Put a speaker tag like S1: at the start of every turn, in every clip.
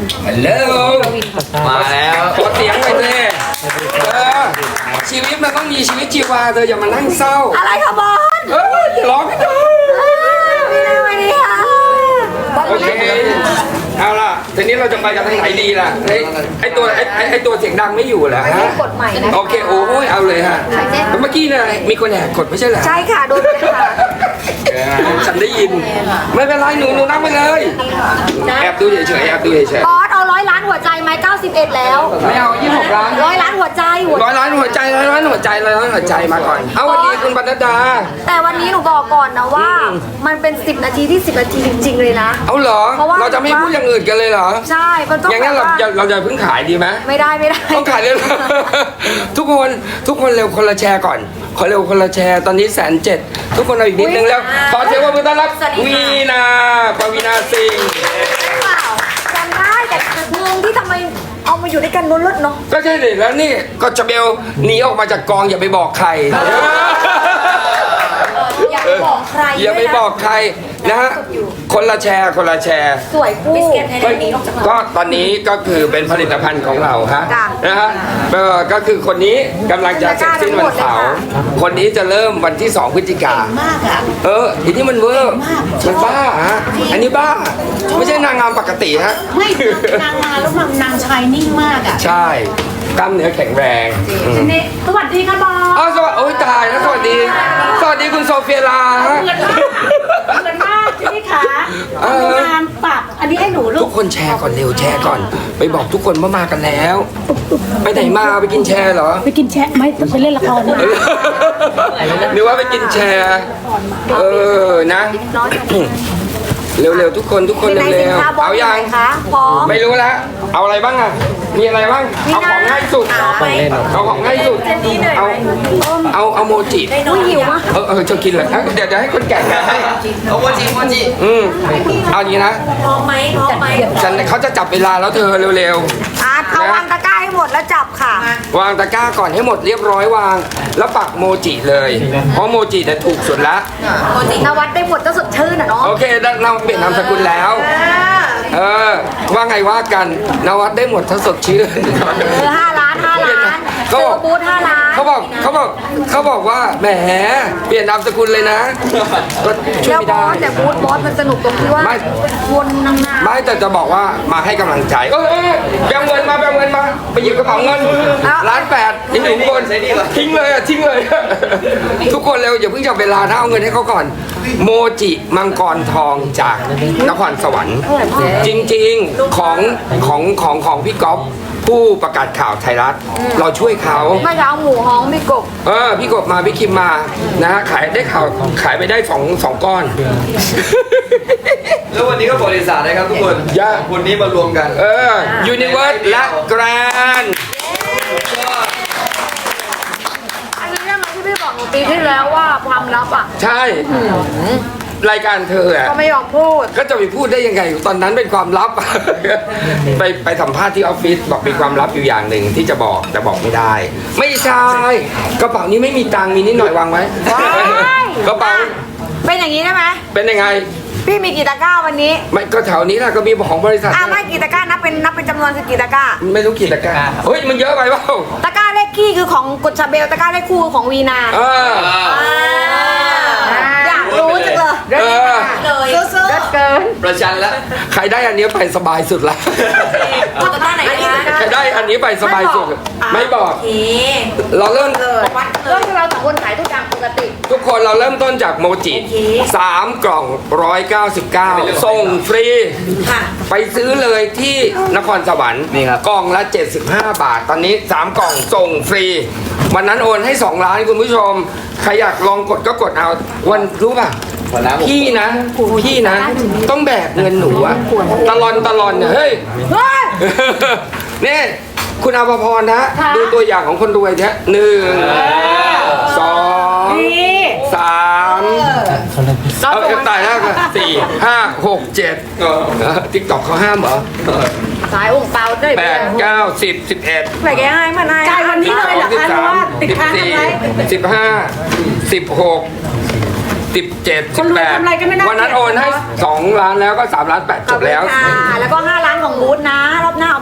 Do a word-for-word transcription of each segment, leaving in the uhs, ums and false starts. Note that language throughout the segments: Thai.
S1: ฮัลโหลมาแล้วขอเสียงไปเลยเออชีวิตมันต้องมีชีวิตชีวาเธออย่ามานั่งเศร้า
S2: อะไรคะบอล
S1: เอออย่าร้องกันเถอะ
S2: ไม่ได้ไม่ได้ค่ะบอล
S1: โอเคเอาล่ะทีนี้เราจะไปกันทางไหนดีล่ะไอ้ไอ้ตัวไอ้ไอ้ไอ้ตัวเสียงดังไม่อยู่เหรอฮะ
S2: กดใหม่นะ
S1: โอเคโอ้ยเอาเลยฮะเมื่อกี้เนี่ยมีคนแหกกดไม่ใช่เหรอ
S2: ใช่ค่ะโดนเลยค่ะ
S1: ฉันได้ยินไม่เป็นไรหนูหนูนั่งไปเลยแอบดูเฉยๆแอบดูเฉย
S2: บอสเอาร้อยล้านหัวใจไหมเก้าสิบเอ็ดแล้ว
S1: ๆไม่เอายี่สิบหกล้าน
S2: ร้อยล้านหัวใจหัว
S1: ร้อยล้านหัวใจร้อยล้านหัวใจร้อยล้านหัวใจมาก่อนเอาวันนี้คุณบรรณดา
S2: แต่วันนี้หนูบอกก่อนนะว่า มันเป็นสิบนาทีที่สิบนาทีจริงๆเลยนะ
S1: เอาเหรอ
S2: เพราะว่า
S1: เราจะไม่พูดอย่างอื่นกันเลยเหรอ
S2: ใช่มันต้อง
S1: อย่างนั้น
S2: แบ
S1: เรา
S2: บว่า
S1: จะเราจะเพิ่งขายดีไหม
S2: ไม่ได้ไม่ได้
S1: ต้องขายเลยเหรอ ทุกคนทุกคนเร็วคนละแชร์ก่อนขอเร็วคนละแชร์ตอนนี้แสนเจ็ดทุกคนเอาอีกนิดนึงแล้วขอเสียงปรบมือต้อนรับวีนาปวีนาสิงห์
S2: จำได้แต่งงที่ทำไมเอามาอยู่ด้วยกันล้นๆเนาะ
S1: ก็ใช่เลยแล้วนี่ก็จะเบลหนีออกมาจากกองอย่าไปบอกใคร
S2: อย่าไปบอกใคร
S1: อย่าไปบอกใครนะฮะคนละแชร์คนละแชร์
S2: สวยคู่
S1: ก็ตอนนี้ก็คือเป็นผลิตภัณฑ์ของเราฮะ
S2: จ้ะ
S1: นะฮะเออก็คือคนนี้กำลังจะเสร็จสิ้นวันเสาร์คนนี้จะเริ่มวันที่สองพฤศจิกา
S3: มากอ่ะ
S1: เอออันนี้มันเวอร์มันบ้าฮะอันนี้บ้าไม่ใช่นางงามปกติฮะ
S3: ไม่นางมาแล้วนางชายนิ่งมากอ่ะ
S1: ใช่กล้ามเนื้อแข็งแรงอืม
S3: นี่สวัสดีค่ะบอส
S1: อ้าวสวัสดีโอ้ยตายแล้วสวัสดี สวัสดีคุณโซเฟียลาฮะ
S3: เหมือนมากเหมือนมากใช่ไหมคะ
S1: เออ
S3: งานปักอันนี้ให้หนูลู
S1: ทุ
S3: ก
S1: กคนแชร์ก่อนเร็วแชร์ก่อน ไปบอกทุกคนว่ามากันแล้ว ไปไหนมาไปกินแชร์เหรอ
S3: ไปกินแชะไหมไปเล่นละคร
S1: เออหรือว่าไปกินแชร์ เออนะ เร็วๆทุกคนทุกคน
S2: ในสิ
S1: เร็
S2: น
S1: ว
S2: ค้า
S1: ๆ
S2: บอส
S1: เอา
S2: อยู่
S1: ยั
S2: ไห
S1: ง
S2: นคะพร้อม
S1: ไม่รู้แล้วเอาอะไรบ้างอ่ะมีอะไรบ้างเอาของง่ายสุดเอาของง่ายสุดเอาเอาเอาโมจิ
S2: อุ้ยหิวมาก
S1: เออเออจะกินเหรอเดี๋ยวเดี๋ยวให้คนแก่แกะให้
S4: เอาโมจิโมจิ
S1: อืมเอาอย่างนี้นะ
S2: พร้อมไหมพร้อมไหม
S1: ฉันเขาจะจับเวลาแล้วเธอเร็ว
S2: อ่ะเอาวางตะกร้าให้หมดแล้วจับค่ะ
S1: ๆวางตะกร้าก่อนให้หมดเรียบร้อยวาง แล้วปักโมจิเลยเพราะโมจิเนี่ยถูกสุดละ
S2: นวัดได้หมดก็สดชื่นอ่ะเนาะ
S1: โอเคเราเปลี่ยนนามสกุลแล้ว เออ ว่าไงว่ากันนวัดได้หมดทั้งสดชื่น
S2: เออห้าล้านห้าล้าน
S1: เขา
S2: เซอ
S1: บอก
S2: ร์บูธห้าล้าน
S1: เขาบอกเขาบอกเขาบอกว่าแหมเปลี่ยนนามสกุลเลยนะก็ช่วย
S2: แล้ว
S1: ไม่
S2: บอ
S1: ได้
S2: สแต่บูธบอสมันสนุกตรงที่ว่า
S1: ไม่
S2: วนนางงาม
S1: ไม่แต่จะบอกว่ามาให้กำลังใจเออเออแบงเงินมาแบงเงินมาไปหยิบกระเป๋าเงินล้านแปดทิ้งทุกคนทิ้งเลยอะทิ้งเลย ทุกคนเร็วอย่าเพิ่งจับเวลานะเอาเงินให้เขาก่อน โมจิมังกรทองจากนครสวรรค์ จริงๆของของของของพี่ก๊อฟผู้ประกาศข่าวไทยรัฐเราช่วยเขา
S2: ไม่จะเอาหมูฮ้องไม่กบ
S1: เออพี่กบมาพี่คิมมานะฮะขายได้ข่าวขายไปได้สองสองก้อน
S4: แล้ววันนี้ก็บริษัทนะครับทุกคน
S1: ย่า
S4: คนนี้มารวมกัน
S1: เออยูนิเวิร์สและแกรน
S2: อันนี้ใช่ไหมที่พี่บอกหนูปีที่แล้วว่าความลับอ่ะ
S1: ใช่ รายการเธออะ
S2: ก็ไม่ยอมพูด
S1: ก็จะไปพูดได้ยังไง ตอนนั้นเป็นความลับ ไปไปสัมภาษณ์ที่ออฟฟิศบอกมีความลับอยู่อย่างหนึ่งที่จะบอกแต่บอกไม่ได้ ไม่ใช่กระเป๋านี้ไม่มีตังค์มีนิดหน่อยวางไว้
S2: ว้าย
S1: กระเป๋า
S2: เป็นอย่างนี้ได้ไหม
S1: เป็นยังไง
S2: พี่มีกี่ตะกร้าวันนี้
S1: ไม่ก็แถวนี้แหละก็มีของบริษัท
S2: อ่ะไม่กี่ตะกร้านับเป็นนับเป็นจำนวนคือกี่ตะกร้า
S1: ไม่รู้กี่ตะกร้าเฮ้ยมันเยอะไปเปล่า
S2: ตะกร้าเลขขี้คือของกุชาเบลตะกร้าเลขคู่คือของวีนา
S1: เออ
S2: อยากรู้จังเลย
S1: เออ
S2: เลยเลิศเกิน
S4: ประชันแล้ว
S1: ใครได้อันนี้ไปสบายสุดละ
S2: เอาตะกร้าไหนคะ
S1: ใครได้อันนี้ไปสบายสุด ไม่บอก เราเริ่ม
S2: เริ่มเราสองคนขายทุกอย่างปกติ
S1: ทุกคนเราเริ่มต้นจากโมจิสามกล่องร้อยเก้าสิบเก้าส่งฟรี ไปซื้อเลยที่นครสวรรค์
S4: นี่ครับ
S1: กล่องละเจ็ดสิบห้าบาท ตอนนี้สามกล่องส่งฟรี วันนั้นโอนให้สองล้านคุณผู้ชม ใครอยากลองกดก็กดเอา วันรู้ป่ะ
S4: ขอน้ำ
S1: พี่นะ พี่นะ ต้องแบกเงินหนูอะตลอนตลอนเนี่ยเฮ้ย
S2: เฮ้ย
S1: นี่คุณอาภพรนะ ดูตัวอย่างของคนรวยเนี่ยหนึ่งสองสามเอาเอาตายแล้วกันสี่ห้าหกเจ็ดติ๊กต็อกเขาห้ามเหรอ
S2: สายองค์เปล่าด้วย
S1: แปดเก้าสิบสิบเอ็ด
S2: ไปแกให้มันให้
S3: จ่ายวันนี้เลยเหรอ
S1: สิบ
S3: คะ
S1: สาม
S3: ว่าติด
S1: สิบ
S3: ค้าง
S1: สี่
S3: อะไร
S1: สิบห้าสิบหกสิบเจ็ด
S3: ค
S1: สิ
S3: น
S1: บ
S3: รว
S1: แป
S3: ย
S1: ด
S3: ทำอะไรกันไม่ได้
S1: วันนั้นโอนให้สองล้านแล้วก็สามล้านแปดจบแล้ว
S2: ค่ะแล้วก็ห้าล้านของบูธนะ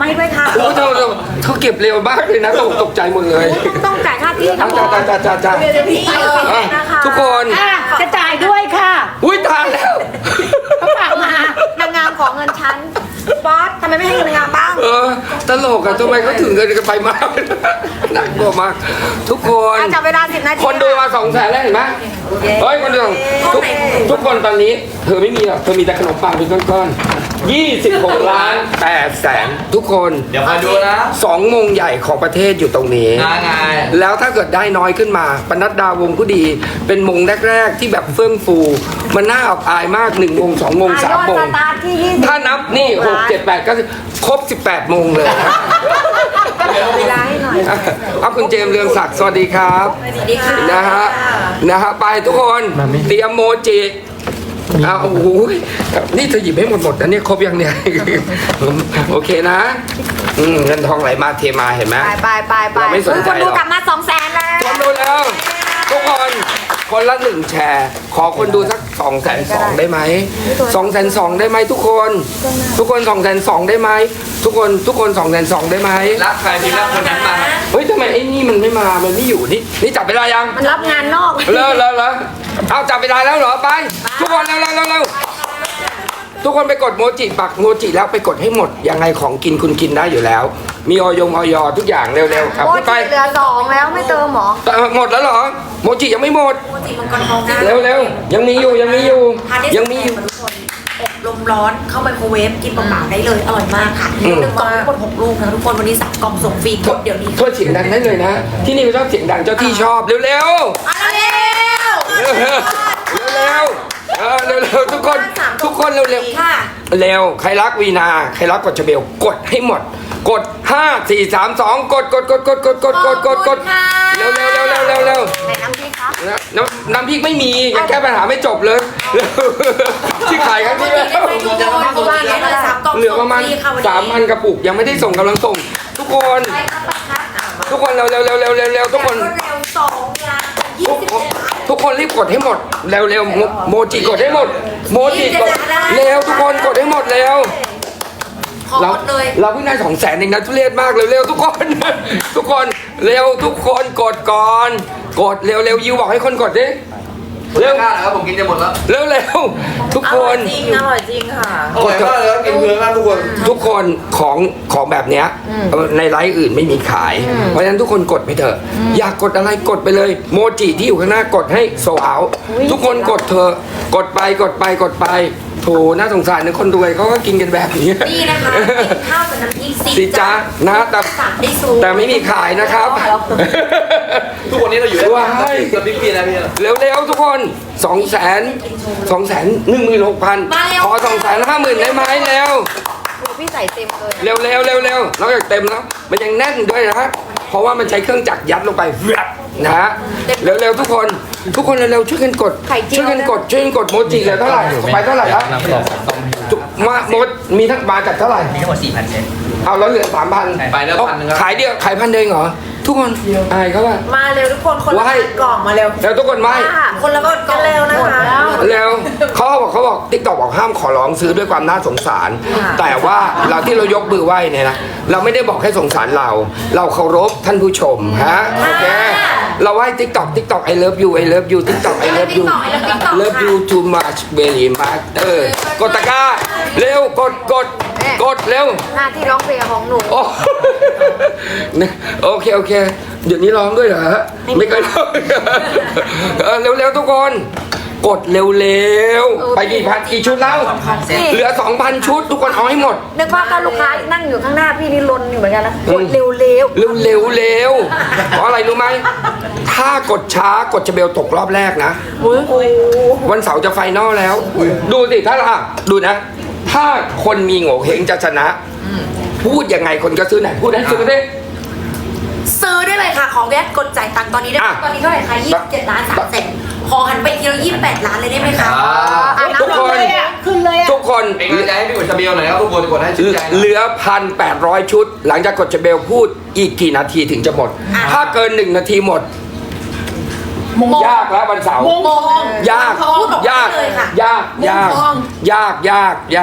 S2: มาให้ด้วยค่ะ
S1: โอ้เธอเธอเธอเก็บเร็วมากเลยนะตกตกใจหมดเลย
S2: ต้องต้องจ่ายค่าที่กับ
S1: จ้าจ้าจ้าจ้าจ้า
S2: เดี๋ยวพี่เออ
S1: อ่ะ
S2: นะคะ
S1: ทุกคน
S3: อ่ะกระจายด้วยค่ะ
S1: อุ้ยทานแล้ว
S3: เขาฝากมา
S2: นางงามขอเงินฉันบอสทำไมไม่ให้เงินนางงามบ้าง
S1: เออตลกอะทำไมเขาถึงเงินกันไปมากหนักกว่ามาก ทุกคน
S2: อ่ะจับเวลาสิบนาที
S1: คนดูมาสองแสนแล้วเห็นไหมเฮ้ยคนดูทุกทุกคนตอนนี้ เธอไม่มีหรอกเธอมีแต่ขนมปังเป็นก้อนๆยี่สิบหกล้านแปดแสนทุกคน
S4: เดี๋ยวมาดูนะ
S1: สองมงใหญ่ของประเทศอยู่ตรงนี้
S4: งานไง
S1: แล้วถ้าเกิดได้น้อยขึ้นมาปนัดดาวงผู้ดี เป็นมงแรกๆที่แบบเฟื่องฟู มันน่าอับอายมากหนึ่งมงสองมงสามม
S2: ยอด
S1: ง
S2: สตาร์ทที่ยี่สิบ
S1: ถ้านับนี่หกเจ็ดแปดก็ครบสิบแปดมงเลย
S2: เวลาให้หน่อย
S1: เอาคุณเจมส์เรืองศักดิ์สวัสดีครับ
S2: สวัสดีค่ะ
S1: นะฮะนะฮะไปทุกคนเตรียมโมจิอ้าวโอ้โหนี่เธอหยิบให้หมดหมดนะเนี่ยครบยังเนี่ย โอเคนะอืมเงินทองไหลมาเทมาเห็นไหม
S2: ไปไปไปไป
S1: เราไม่สนใจ
S2: คนดู
S1: หรอก
S2: กลับมาสองแสนแล้ว
S1: คนดูแล้ว ทุกคนคนละหนึ่งแชร์ ขอคนดูสักสองแสนสองได้ไหมสองแสนสองได้ไหมทุกคน ทุกคนสองแสนสองได้ไหมทุกคนทุกคนสองแสนสองได้ไหม
S4: รักใครพิมพ์รักคนนั้นมา
S1: เฮ้ยทำไมไอ้นี่มันไม่มามันไม่อยู่นี่นี่จับเวลายัง
S2: มันรับงานนอก
S1: เร็วเร็วเร็วเอาจับเวลาแล้วเหรอไป ทุกคนเร็วเร็วเร็วเร็วทุกคนไปกดโมจิปักโมจิแล้วไปกดให้หมดยังไงของกินคุณกินได้อยู่แล้ว มีออยงออยทุกอย่างเร็วๆครับ
S2: โอ้
S1: พู
S2: ย
S1: ดไป
S2: เหลือสองแล้วไม่เติมหรอ
S1: เอ่อหมดแล้วเหรอโมจิยังไม่หมด
S5: ปกติมังกรทองนะ
S1: เร็วเร็วยังมีอยู่ยังมีอยู่
S5: ทานได้
S1: ยัง
S5: ส
S1: มี
S5: มี
S1: อยู่
S5: ทุกคนอบลมร้อนเข้าไมโครเวฟกินเปล่าๆได้เลยอร่อยมากค่ะ
S1: อืม
S5: หนึ่งกล่องทั้งหมดหกลูกนะทุกคนวันนี้สั่งกล่องส่งฟรีกดเดี๋ยวนี้
S1: โทษเสียงดังได้เลยนะ ที่นี่เขาชอบเสียงดังเจ้าที่ชอบเร็วเร็ว
S5: มาเร็ว
S1: เร็วเร็วเร็วเออเร็วเร็วทุกคนทุกคนเร็วเร็ว
S5: ค่ะ
S1: เร็วใครรักวีนาใครรักกดชเบลกดให้หมด กดห้า สี่ สาม สองกดกดกดกดกดกดกดกดกดเร็วเร็วเร็วเร็วเร็วเร็ว
S2: ไหนน้ำพริกครับ
S1: นะน้ำน้ำพริกไม่มียังแก้ปัญหาไม่จบเลยเร็วที่ขายครั้งที่แล้ว
S5: ทุกคนทุกคนได้เลยสามกล่อง
S1: เหลือประมาณ
S5: ส่งฟรีค่ะวัน
S1: สามพัน
S5: นี้
S1: กระปุกยังไม่ได้ส่งกำลังส่ง ทุกคน
S5: ไปครับไปครับอ่ะมา
S1: ทุกคนเร็วเร็วเร็วเร็วเร็วเร็วทุกคน
S5: รวดเร็วสองล้านยี่
S1: ทุก
S5: สิบ
S1: คน
S5: เจ็ดล้าน
S1: ทุกคนรีบกดให้หมดเร็วเร็วโมโมจิกดให้หมด โมจิกดเร็วทุกคนกดให้หมดเร็ว
S5: ขอ
S1: เรา
S5: หมดเลย
S1: เราเพิ่งได้สองแสนเองนะทุเรศมากเร็วๆทุกคน ทุกคนเร็วทุกคนกดก่อน กดเร็วๆยูบอกให้คนกดดิเร็ว
S4: กล้าเหรอครับผมกินจะหมดแล้ว
S1: เร็วเร็วๆทุกคน
S5: จริงอร่อยจริงค่ะ
S4: อร่อยมากเลยครับกินเพื่อนมากทุกคน
S1: ทุกคนของของแบบเนี้ยเออในไลฟ์อื่นไม่มีขาย เพราะฉะนั้นทุกคนกดไปเถอะ อยากกดอะไรกดไปเลย โมจิที่อยู่ข้างหน้ากดให้โซเอาทุกคนกดเถอะกดไปกดไปกดไปโถน่าสงสารนะคนรวยเขาก็กินกันแบบนี้
S5: นี่นะคะเป็นข้าวกับน้ำพริก
S1: สิจ๊ะนะแต่
S5: สั่งได้สูง
S1: แต่ไม่มีขายนะครับ
S4: ทุกวันนี้เราอยู่ได้
S1: ว้าย
S4: กับพี่พี่นะพี่
S1: เร็วๆทุกคนสองแสนสองแสนหนึ่งหมื่นหกพันขอสองแสนห้าหมื่นได้ไหมเร็ว
S2: พี่ใส่เต็มเลย
S1: เร็วเร็วเร็วเร็วนอกจากเต็มแล้ว มันยังแน่นด้วยนะ เพราะว่ามันใช้เครื่องจักรยัดลงไปแวบนะฮะเร็วเร็วทุกคน ทุกคนเร็วๆช่วยกันกด ช่วยกันกดช่วยกันกดโมจิเหลือเท่าไหร่ไปเท่าไหร่แล้วจุมาโมดมีทั้งมาจากเท่าไหร่
S6: มีทั้งหมดสี่พันเซน
S1: เอาแล้วเหลือสามพัน
S4: ไปแล้วพันหนึงครับ
S1: ขายเดียวขายพันเดียวเองเหรอทุกคนอายเขาว่า
S5: มาเร็วทุกคนคนละ
S1: ว้าย
S5: กล่องมาเร็ว
S1: แล้วทุกคนไม่
S5: คนละกดกันเร็วนะคะ
S1: เร็วเขาบอกเขาบอกติ๊กต็อกบอกห้ามขอร้องซื้อด้วยความน่าสงสาร แต่ว่าเราที่เรายกมือไหว้เนี่ยนะเราไม่ได้บอกให้สงสารเรา เราเคารพท่านผู้ชมฮะโอเคเราไหว้ติ๊กต็อกติ๊กต็อก I love you I love you ติ๊กต็อก I love you love you too much very much เออกดตะกร้าเร็วกดกดกดเร็ว
S2: หน้าที่ร้องเพลงของหนู
S1: โอ้ เนี่ยโอเคโอเคเดี๋ยวนี้ร้องด้วยเหรอฮะไม่เคยร้องเออเร็วๆทุกคน กดเร็วๆไปกี่พันกี่ชุดแล้ว เหลือ สองพัน ชุด ทุกคนเอาให้หมด
S2: นึกว่าก็ลูกค้านั่งอยู่ข้างหน้าพี่นี่ลนอยู่เหมือนกันนะ
S1: อื
S2: ก
S1: ม
S2: ดเร็ว
S1: เร็วเร็วเร็วเพราะอะไรรู้ไหมถ้ากดช้ากดจะเบลตกรอบแรกนะ วันเสาร์จะไฟนอลแล้ว ดูสิถ้าอ่ะดูนะ ถ้าคนมีโง่เฮงจะชนะ พูดยังไงคนก็ซื้อไหนพูดให้ซื้อได้
S5: ซื้อได้เลยค่ะ ของแยกกดจ่ายตังค์ตอนนี้ได้
S1: อ่ะ
S5: ตอนนี้เท่าไหร่คะยี่สิบเจ็ดล้านสามแสนขอหันไปทีละยี่สิบแปดล้านเลยได้ไหมคะ
S2: ๆอ่ะ
S1: ทุกคน
S3: ขึ้นเลยอ่ะ
S1: ทุกคน
S4: เป็นกำลังใจให้พี่กดชาเบลหน่อยนะครับทุกคนกดให้ชื่นใจนะ
S1: เหลือพันแปดร้อยชุด หลังจากกดจะเบลพูดอีกกี่นาทีถึงจะหมด ถ้าเกินหนึ่งนาทีหมด ยากแล้ววันเสาร์
S3: มง
S5: มอง
S1: ยาก
S5: พูดออกมาย
S1: าก
S5: เลยค่ะ
S1: ยากยาก
S3: มงทอง
S1: ยากยากยาก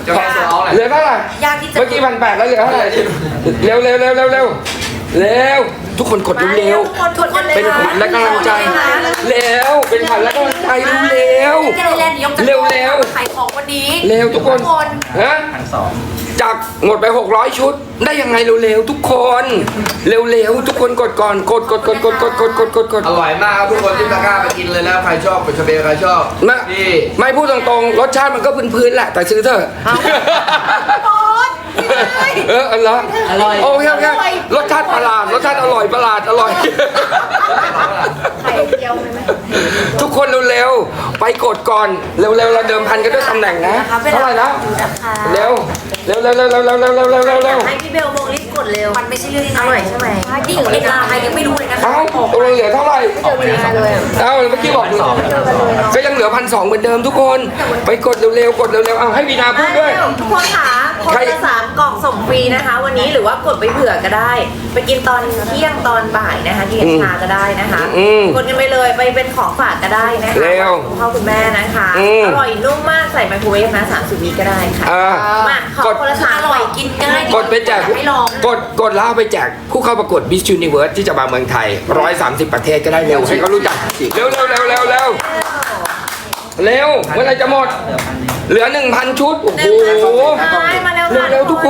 S4: จะให้โซเอาแหละ
S1: เหลือเท่าไหร่
S5: ยากที่จะ
S1: เมื่อกี้พันแปดแล้วเหลือเท่าไหร่เร็วเร็วเร็วเร็วเร็วเร็วทุกคนกดเร็ว
S5: ทุกคนทุกคน
S1: ๆเป็นขวัญและกำลังใจเร็วเป็นขวัญและกำลังใจเร็ว
S5: แกเลยแลนด์ยก
S1: เร็วเร็ว
S5: ขายของวันนี้
S1: เร็วทุกคนฮะจากหมดไปหกร้อยชุดได้ยังไงเร็วๆทุกคนเร็วๆทุกคนกดก่อนกดกดกดกดกดกดกดกดกด
S4: อร่อยมากครับทุกคนที่ตะกร้าไปกินเลยนะใครชอบเป็นชาเบลใครชอบ
S1: ไม่
S4: นี่
S1: ไม่พูดตรงๆรสชาติมันก็พื้นๆแหละแต่ซื้อเถอะ
S5: บอส
S1: เอออร่อยอร่อยโอเคโอเครสชาติประหลาดรสชาติอร่อยประหลาดอร่อย
S2: ไข่เจียวไหม
S1: ทุกคนเร็วๆไปกดก่อนเร็วๆเราเดิมพันกันด้วยตำแหน่งนะเท่าไหร่นะเร็วเร็วเร็วเร็วเร็วเร็วเร็วเร็วเร็วเร็วเร็ว
S5: ให้พี่เบลโมรีบกดเร็วมันไม่ใช่เรื่องง่ายอร่อยใช่ไหมที่อยู่ในตลาดไทยยังไม่รู้เลยนะคะ
S1: เอ้าตัวเหลือเท่าไหร่เอ้าเมื่อกี้บอกก็ยังเหลือพันสองเหมือนเดิมทุกคนไปกดเร็วๆกดเร็วๆเอาให้วีนาพูดด้วย
S6: ทุกคนค่ะคนละสามกล่องส่งฟรีนะคะ วันนี้หรือว่ากดไปเผื่อก็ได้ ไปกินตอนเที่ยงตอนบ่ายนะคะกินชาก็ได้นะคะ
S1: อืม
S6: กดกันไปเลยไปเป็นของฝากก็ได้นะคะ
S1: เร็ว
S6: คุณพ่อคุณแม่นะคะ
S1: อืม
S6: อร่อยนุ่มมากใส่ไมโครเวฟนะสามสิบวิก็ได้ค่ะ
S1: อ่า
S6: มาขอก
S1: ด
S6: คนละสาม
S5: อก
S6: ล่
S5: ร่
S6: อ
S5: อย
S6: ง
S5: กินง่าย
S1: กดไปแจก
S5: ให้ลอง
S1: กดกดแล้วเอาไปแจกผู้เข้าประกวด Miss Universe ที่จะมาเมืองไทยหนึ่งร้อยสามสิบประเทศก็ได้เร็วให้เขารู้จักเร็วเร็วเร็วเร็วเร็วเร็วเมื่อไหรจะหมด เหลือหนึ่งพันชุดโอ้โห
S6: มาแล้ว
S1: เร็ว
S6: ค่ะ
S1: เร็วทุกคน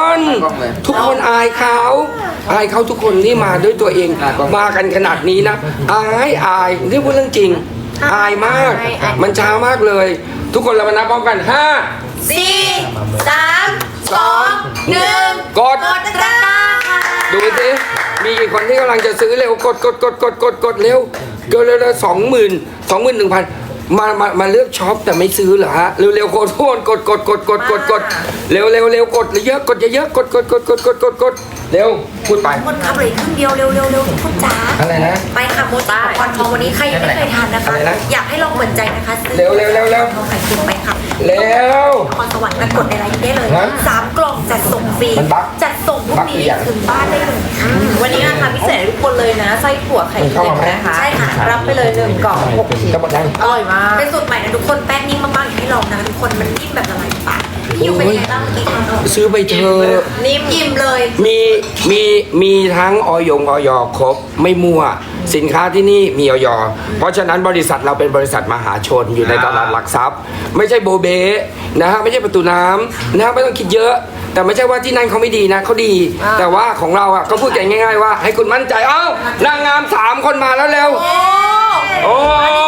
S1: ทุกคนอายเขาอายเขาทุกคนที่มาด้วยตัวเองมากันขนาดนี้นะอายอายนี่พูดเรื่องจริง อายมาก มันช้ามากเลย ทุกคนเรามานับพร้อมกันห้า
S5: สี่สามสองหนึ่ง
S1: กด
S5: กดตะกร้าค่ะ
S1: ดูสิมีกี่คนที่กำลังจะซื้อเร็วกดกดกดกดกดกดเร็วเกินเร็วสองหมื่นสองหมื่นหนึ่งพันมามามาเลือกช็อปแต่ไม่ซื้อเหรอฮะเร็วเร็วโคตรกดกดกดกดกดกดเร็วเร็วเร็วกดเยอะกดเยอะกดกดกดกดกดกดกดเร็วพูดไป
S5: คนขับเลยครึ่งเดียวเร็วเร็วเร็วทุกคนจ๋า
S1: อะไรนะ
S5: ไปค่ะโมจิก่อนทองวันนี้ใครยังไม่เคยทานนะคะ
S1: อะไรนะ
S5: อยากให้ลองเหมือนใจนะคะซื้อ
S1: เร็วเร็วเร็วเร็ว
S5: ทองไข่เค็มไปค่ะ
S1: เร็ว
S5: นครสวรรค์มากดในไลน์ได้เลย
S1: ฮะ
S5: สามกล่องจัดส่งฟรี
S1: มันบั๊ก
S5: จัดส่งพรุ่
S1: บั๊
S5: ง
S1: ก
S5: นี้
S1: อีกอย่าง
S5: ถึงบ้านได้เลยค่ะ
S6: วันนี้ราคาพิเศษให้ทุกคนเลยนะไส้ถั่วไข่เค็มนะคะ
S5: ใช่ค่ะ
S6: รับไปเลยหนึ่งกล่องหกชิ้น
S1: จะหมดยัง
S6: อร่อยมาก
S5: เป็นสูตรใหม่นะทุกคนแป้งนิ่มมากๆอยากให้ลองนะทุกคนมันนิ่มแบบละลายในปากพี่ยูเป็นยังไงบ้างเมื่อกี้ทานแล้ว
S1: ซื้อไปเถอะ
S5: นิ่มอิ่มเลย
S1: มีมีมีทั้งออยงออยครบไม่มั่ว สินค้าที่นี่มีออยเพราะฉะนั้นบริษัทเราเป็นบริษัทมหาชนอยู่ในตลาดหลักทรัพย์ ไม่ใช่โบเบนะฮะไม่ใช่ประตูน้ำนะฮะไม่ต้องคิดเยอะ แต่ไม่ใช่ว่าที่นั่นเขาไม่ดีนะเขาดี แต่ว่าของเราอ่ะก็พูดกันง่ายๆว่า ให้คุณมั่นใจเอ้านางงามสามคนมาแล้วเร็วโอ้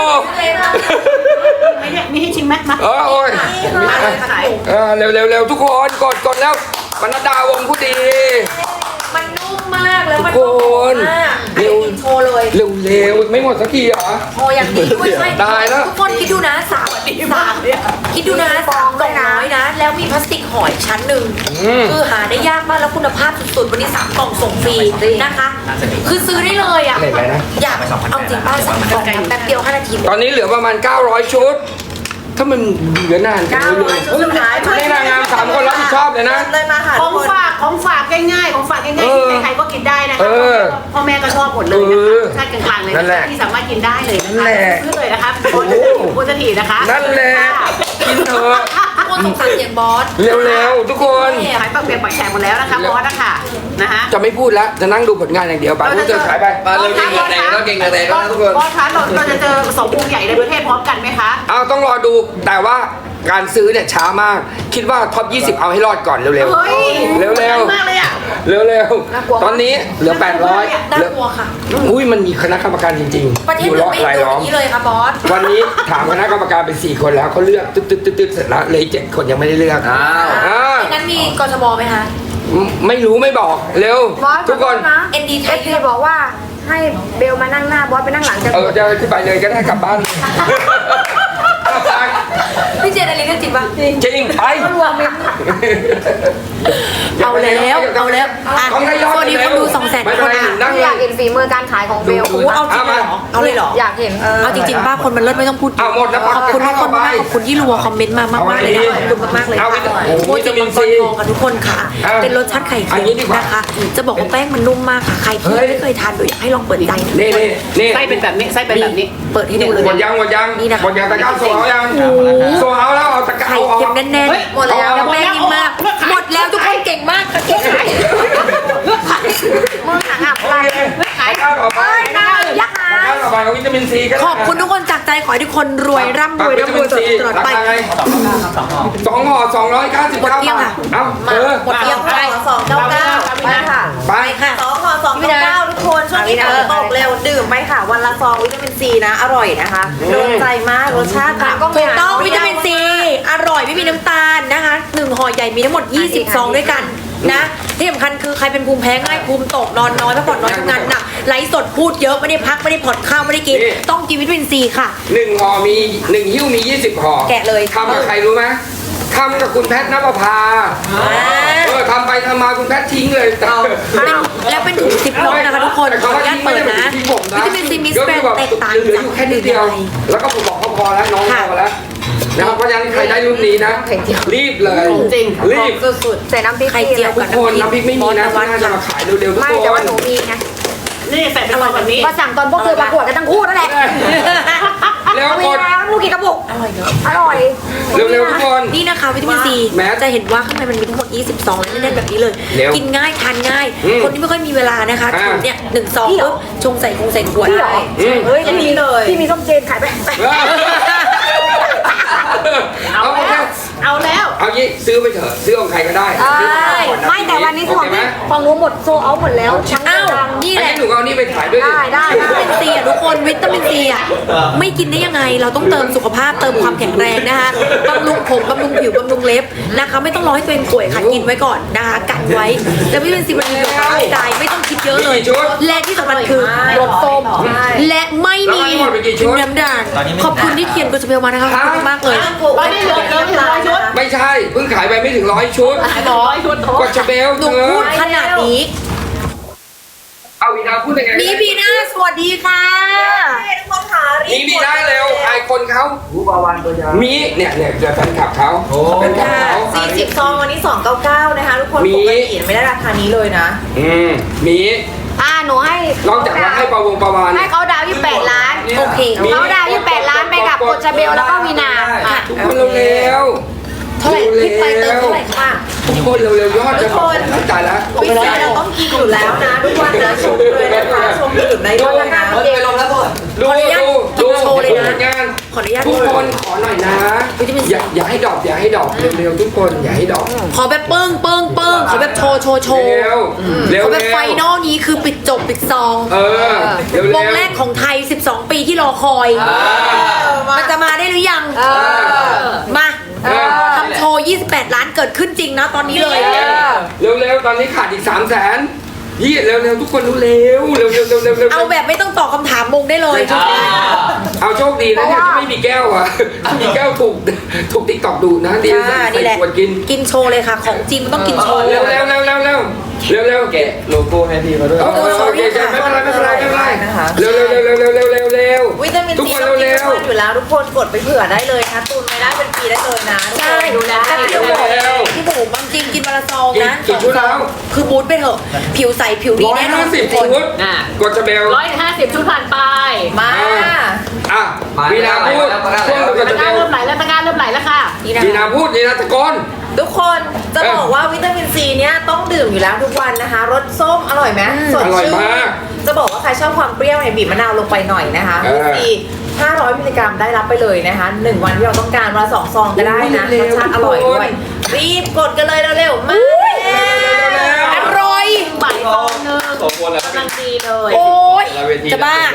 S3: ไม่ได้ไม่ให้ชิมไหมมา
S1: เออโอ้ย
S6: มาเลยขาย
S1: เออเร็วเร็วเร็วทุกคนกดกดแล้วปนัดดาวงผู้ดี
S6: มันนุ่มมากแล้วมัน
S1: ทุกคน
S6: มาก
S1: เร็ว
S6: โชว์เลย
S1: เร็วเร็วไม่หมดสักทีเหรอ
S5: โอ้อย่างนี้ด้วยใช่
S1: ตายแล้ว
S5: ทุกคนคิดดูนะสามสามคิดดูนะสามกล่องน้อยนะ แล้วมีพลาสติกห่ออีกชั้นหนึ่ง
S1: อืม
S5: คือหาได้ยากมากแล้วคุณภาพสุดๆวันนี้สามกล่องส่งฟรีนะคะ คือซื้อได้เลยอ่ะ
S1: เห็นไหมนะ
S5: อยากเอาจริงป้าสามกล่องนะแป๊บเดียวห้านาที
S1: ตอนนี้เหลือประมาณเก้าร้อยชุด ถ้ามันเหลือนานจังเลย
S6: ชุดสุดท้าย
S1: นี่นางงามสามคนรับผิดชอบเลยนะ
S6: เลยมาค่ะ
S3: ข
S6: ทุ
S3: อก ง
S6: คน
S3: ฝากของฝากง่ายๆของฝากง่าย
S1: เออ
S3: ๆที่ใครๆก็กินได้นะ
S1: เอ
S3: คะ
S1: อ
S3: พ่อแม่ก็ชอบหมดเลย
S1: เอ
S3: นะ
S1: อ
S3: คะชาติกลางๆเลย
S1: นั่นแหละ
S3: ที่สามารถกินได้เลยนะ
S1: นั่น
S3: คะ
S1: แหละ
S3: ซื้อเลยนะคะโอ้โหโคตรถีนะคะ
S1: นั่นแหละกินเถอะ
S5: ทุกคนสงสารเสียงบอส
S1: เร็วๆทุกคน
S3: ขายปักเปียกปักแฉกหมดแล้วนะคะบอสนะคะนะคะ
S1: จะไม่พูดแล้ว จะนั่งดูผลงานอย่างเดียวไปพูดเจอขายไป
S4: มาเร็วเก่งเหลือแดงแล้วเก่งเหลือแดงแล้วนะทุกคน
S3: บอสคะเราเราจะเจอสองวงใหญ่ในประเทศพร้อมกันไหมคะ
S1: เอาต้องรอดูแต่ว่าการซื้อเนี่ยช้ามาก คิดว่าท็อปยี่สิบเอาให้รอดก่อนเร็ว
S3: เฮ้ย
S1: ๆ เร็ว
S3: มากเลยอ่ะ
S1: ๆ เร็วๆ ตอนนี้เหลือแปดร้อย
S5: น่ากลัวค่ะ
S1: อุ้ยมันมีคณะกรรมการจริง
S5: ประ
S1: ๆ
S5: เท
S1: อ
S5: ศ
S1: ยู่
S5: อื่
S1: ร
S5: น
S1: อบ
S5: ไม่
S1: ราย
S5: เห็น
S1: ล้อม
S5: อย่างนี้เลยค่ะบอส
S1: วันนี้ถามคณะกรรมการเป็นสี่คนแล้วเขาเลือกตึ๊ดตึ๊ดตึ๊ดตึ๊ดเสร็จแล้วเหลยเจ็ดคนยังไม่ได้เลือก
S4: อ้าว
S1: อ่า
S5: งั้นมีกทมไหมคะ
S1: ไม่รู้ไม่บอกเร็ว
S2: บอส
S1: ทุกคน
S2: นะ
S5: เอ็นดีไท
S2: เอย ฟซีบอกว่าให้เบลมานั่งหน้าบอสไปนั่งหลังจะ
S1: เออจะขึ้นไปเลยก็ได้กลับบ้าน
S5: พี่เจนอะไรเรื่องจริงปะ
S1: จริงไป
S2: รวมมิตร
S5: เอาแล้วเอาแล้วอ่ะ
S1: ต้องได้ยอด
S5: สวัสดีคนดูสองแสน
S1: ไม่
S5: คน
S1: เป็ไร
S5: อ่ะ
S1: นั่ง
S2: อยากเห็นฝีมือการขายของเบล
S5: โอ้โหเอาจริงเลยเหรอเอาเลยเหรอ
S2: อยากเห็น
S5: เอาจริงๆป้าคนมันเลิศไม่ต้องพูด
S1: เอาหมดแล้ว
S5: ขอบคุณทุกคนมากขอบคุณที่รัวคอมเมนต์มามากๆเลยนะขอบคุณมากๆเลยค่ะ
S1: โอ้โห
S5: โมจิมังกรทองค่ะทุกคนค่ะ
S1: อ่ะ
S5: เป็นรสชาติไข่
S1: อั
S5: เค็
S1: นนี้ดี
S5: ม
S1: กว่า
S5: นะคะ จะบอกว่าแป้งมันนุ่มมากค่ะใครที่ไม่เคยทานดูอยากให้ลองเปิดใจนะ
S1: นี่นี่นี่
S3: ไส้เป็นแบบนี้ไส้เป็นแบบนี้
S5: เปิดให้ดูเลย
S1: หมดยังหมดยัง
S5: นี่นะคะ
S1: หมดยังตะกร้าโซเอายังโซเอาแล้วเอาตะกร้า
S5: ไข่
S1: เอาออ
S5: เค็
S1: ก
S5: มแน่น
S3: เฮ้ย
S5: ๆหมดแล้วแล้วแป้งนิ่มมาก หมดแล้วทุกคนเก่งมากค่ะเก่งมาก
S2: มือหนังอับ
S1: โอ
S2: ไป
S1: เคตะกร้าต่อไป
S2: เอ้ยน่ายักษ์หา
S1: ตะกร้าย ต่อไปเอาวิตามินซีกัน
S5: ขอบคุณทุกคนจากใจขอให้ทุกคนรวยร่ำรวยร่ำรวยตลอดไป
S1: สองห่อสองร้อยเก้าสิบ
S5: หมด
S1: เก้า
S5: เกลี้ยง
S1: บา
S5: ค่ะ
S1: ทเอ้าเออ
S5: หมดเกลี้ยง
S6: ส
S5: ไป
S6: องสองเก้าเก้าไปค่ะ
S1: ไป
S5: ไปค่ะ
S6: สองห่อสองเก้าเก้าทุกคนช่วงนี้ฝนตกเร็วดื่มไปค่ะ วันละซองวิตามินซีนะ อร่อยนะคะโดนใจมากรสชาติค่ะ
S5: ถูกต้องวิตามินซีอร่อยไม่มีน้ำตาลนะคะหนึ่งห่อใหญ่มีทั้งหมดยี่สิบซองด้วยกันนะที่สำคัญคือใครเป็นภูมิแพ้ง่ายภูมิตกนอนน้อยพักผ่อนน้อยทำงานหนักไลฟ์สดพูดเยอะไม่ได้พักไม่ได้ผ่อนข้าวไม่ได้กิน ต้องกินวิตามินซีค่ะ
S1: หนึ่งห่อมีหนึ่งหิ้วมียี่สิบห่อ
S5: แกะเลย
S1: ทำกับใครรู้ไหมทำกับคุณแพทย์นภพาเออทำไปทำมาคุณแพทย์ทิ้งเลย
S5: เป็นแล้วเป็นถุงซิปล็อกนะคะทุกคน
S1: แต่
S5: ขอ
S1: เขา
S5: อนุญาต
S1: ทิ้ง
S5: เปิด
S1: ไม่ได้
S5: นะ
S1: ทิ้งผมนะ
S5: วิตามินซีมิส
S1: ก็
S5: แกร
S1: คื
S5: น
S1: อแบบ
S5: แตกต่าง
S1: เหลือ
S5: จาก
S1: อยู่แค่นิดเดียว แล้วก็ผมบอกเขาพอแล้วน้องพอแล้วนะครับเพราะฉะนั้นใครได้รุ่นนี้นะ รีบเลย
S3: จริง
S1: รีบ
S6: สุด
S2: ใส่น้ำพริก
S5: ไข่เจียว
S1: ทุ
S5: กับ
S1: กคนน้ำพริกไม่มีนะ
S5: วั
S1: น่าจะมาขายเร็วๆทุก
S2: ไม่
S1: ค
S2: แต่ว่าน หนูมีไง
S3: นี่ใส่เป็นซองแบบนี้
S2: ก็สั่งตอนพวกเธอประกวดกันทั้งคู่นั่นแหละ
S1: แล้ว
S2: เอา
S1: ก
S2: มี
S1: ด
S2: แล้วลูกกี่กระปุก
S5: อร่อยเนอะ
S2: อร่อย
S1: เร็วๆทุกคน
S5: นี่นะคะวิตามินซี
S1: แม้
S5: จะเห็นว่าข้างในมันมีทั้งหมดยี่สิบซองและแน่นๆแบบนี้เลย
S1: เร็ว
S5: กินง่ายทานง่าย
S1: อืม
S5: คนที่ไม่ค่อยมีเวลานะคะ
S1: อ่า
S5: ถือเนี่ยหนึ่งซองปุ๊บชงใส่คงใส่ขวด
S2: พี่เหรอ
S1: อืม
S2: เฮ้ยพี่มีเลยพี่มีส้มเจนขายไปไป
S1: เอาโอเค
S3: เอาแล้ว
S1: เอางี้ซื้อไปเถอะซื้อของใครก็ได้
S2: เอ้
S1: ซื้อของใคร
S2: ย
S1: ก่อนนะ
S2: ไม่แต่วันนี้
S1: โอ
S2: ของ
S1: เคไหม
S2: พี่ของหนูหมดโซเอาหมดแล้วทั้ง
S5: อ้าว
S2: ดัง
S5: นี่
S1: อัน
S5: แห
S1: นี้
S5: ละ
S1: หนูเอานี่ไปขายด้วยดิ
S2: ได้ได้
S5: วิตามินซีอ่ะทุกคนวิตามินซีอ่ะไม่กินได้ยังไง เราต้องเติมสุขภาพเติมความแข็งแรงนะคะบำรุงผมบำรุงผิวบำรุงเล็บนะคะไม่ต้องรอให้ตัวเองป่วยค่ะกินไว้ก่อนนะคะกันไว้แล้ววิตามินซีมันมีประโยชน์ต่อร่างกายไม่ต้องคิดเยอะเลย และที่สำคัญคือรสส้มและไม่มีน้ำด่างขอบคุณที่เขียนกุศเบลมานะคะขอบคุณมากเลย
S3: ตอนนี้เหลือเหลือไม่ถึงร้อยชุด
S1: ไม่ใช่เพิ่งขายไปไม่ถึงร้อยชุด
S3: ร้อยชุด
S1: กดชาเบล
S5: หนู
S1: เธอ
S5: พูดขนาดนี้
S1: เอาวีนาพูดยังไง
S5: มีบีน่าสวัสดีค่ะ
S6: ทุกคนค่ะรี
S1: มี
S6: บ
S1: มีได้เร็วไอคนเขา
S4: รู้ปลาวานตัวยาว
S1: มีเนี่ยเนี่ยเจอแฟนคลับเขาแฟนคลับเขา
S6: สี่สิบซองวันนี้สองเก้าเก้านะคะทุกคน
S1: มี
S6: ปกติไม่ได้ราคานี้เลยนะ
S1: อืมมี
S2: อ่าหนูให้
S1: นอกจากว่าให้ปลาวงปลาวาน
S2: ให้เขาดาวยี่สิบแปดล้าน
S5: โอเค
S2: เขาดาวยี่สิบแปดล้านไปกับกดชาเบลแล้วก็วีนา
S5: อ่ะ
S1: ทุกคนเร็วๆ
S5: เท่าไหร่พริกไปเติมเท่าไหร่คะ
S1: ทุกคนเร็วๆยอดจะหมดตายแล้ว
S6: วิซีเราต้องกินอยู่แล้วนะทุกวันนะชมเลยนะคะชมดื่มได้ด้วยนะ
S4: เฮ้ยไปลงแล้วหมด
S1: ดู
S5: ขออนุญาต
S1: ดูดู
S5: โชว์เลยนะ
S1: ผงาน
S5: ขออนุญาต
S1: ทุกคนขอหน่อยนะ
S5: วิตามินซี
S1: อย่าอย่าให้ดอกอย่าให้ดอกเร็วๆทุกคนอย่าให้ดอก
S5: ขอแบบเปิ้งเปิ้งเปิ้งขอแบบโชว์โชว์โชว์
S1: เร็วเร็ว
S5: ขอแบบ
S1: เร็ว
S5: ไฟนอลนี้คือปิดจบปิดซอง
S1: เออเร็ว
S5: ว
S1: เร็
S5: ง
S1: ว
S5: แรกของไทย สิบสอง ปีที่รอคอย มันจะมาได้หรือยัง
S2: เออ
S5: มา
S1: เออ
S5: ทำโชว์ ยี่สิบแปด ล้านเกิดขึ้นจริงนะตอนนี้เลย
S1: เร็วเร็วๆตอนนี้ขาดอีกสามแสนยี่เร็วเร็วๆทุกคนเร็วเร็วเร็วเร็วเร็วเร็ว
S5: เอาแบบไม่ต้องตอบคำถามมงได้เลย
S1: เอาโชคดีนะเนี่ยที่ไม่มีแก้วอ่ะถ้ามีแก้วถูกถูกติ๊กตอกดูนะดี
S5: จ้า
S1: ใส่
S5: นี่แหละ
S1: ขวดกิน
S5: กินโชว์เลยค่ะ ของจริงมันต้องกินโชว์
S1: เร็วเร็วเร็วเร็วเร็วเร็วเร็ว
S4: แกะโลโก้ให้พี่เขาด้วย
S1: โอเคโอเคไม่เป็นไรไม่เป็นไรไม่เป็นไรเร็วเร็วเร็วเร็วเร็วเร็วเร็วเร็ว
S6: วิตามิน
S1: ทุก
S6: ซี
S1: คน
S6: ต้องกิน
S1: เร็
S6: ทุ
S1: ว
S6: กวันอยู่แล้วทุกคนกดไปเผื่อได้เลยนะตุนไม่ได้เป็นปีได้เลยนะทุก
S5: ใช่
S6: คนดูแล
S5: แต่
S6: ได้
S5: พี่
S6: เล
S5: บุ๋
S6: ย
S5: มพี่บุ๋มบางจริงกินวันละซองนะ
S1: กี่กี่ชุดแล้ว
S5: คือบูทไปเถอะ ผิวใสผิวดี
S1: ร้อย
S5: แน่นอ
S1: ห้าน สิบ
S5: ทุกคน
S1: ชุด
S3: อ่ะ
S1: กดจะเบล
S3: ร้อยห้าสิบชุดผ่านไป
S6: มา
S1: อ่ะวีนาพูดช่วงกด
S3: ตะ
S1: จะ
S3: ก
S1: เบ
S3: ร้า
S1: ล
S3: เริ่มไหลแล้วตะกร้าเริ่มไหลแล้วค่ะ
S5: นี่นะ
S1: วีนาพูดวีนาตะโกน
S6: ทุกคนจะบอกว่าวิตามินซีเนี่ยต้องดื่มอยู่แล้วทุกวันนะคะรสส้มอร่อยไหมสด
S1: อร่อย
S6: ชื่น
S1: มาก
S6: จะบอกว่าใครชอบความเปรี้ยวเนี่ยบีบมะนาวลงไปหน่อยนะคะ
S1: เออ
S6: วิตามินซีห้าร้อยมิลลิกรัมได้รับไปเลยนะคะหนึ่งวันที่เราต้องการวันละสองซองก็ได้นะรสชาติอร่อยด้วยรีบกดกันเลยเร็วๆมาแล้ว
S5: อร่อย
S3: บ่ายซองหนึ่งกำลังดีเลย
S5: โอ้ยจะบ้า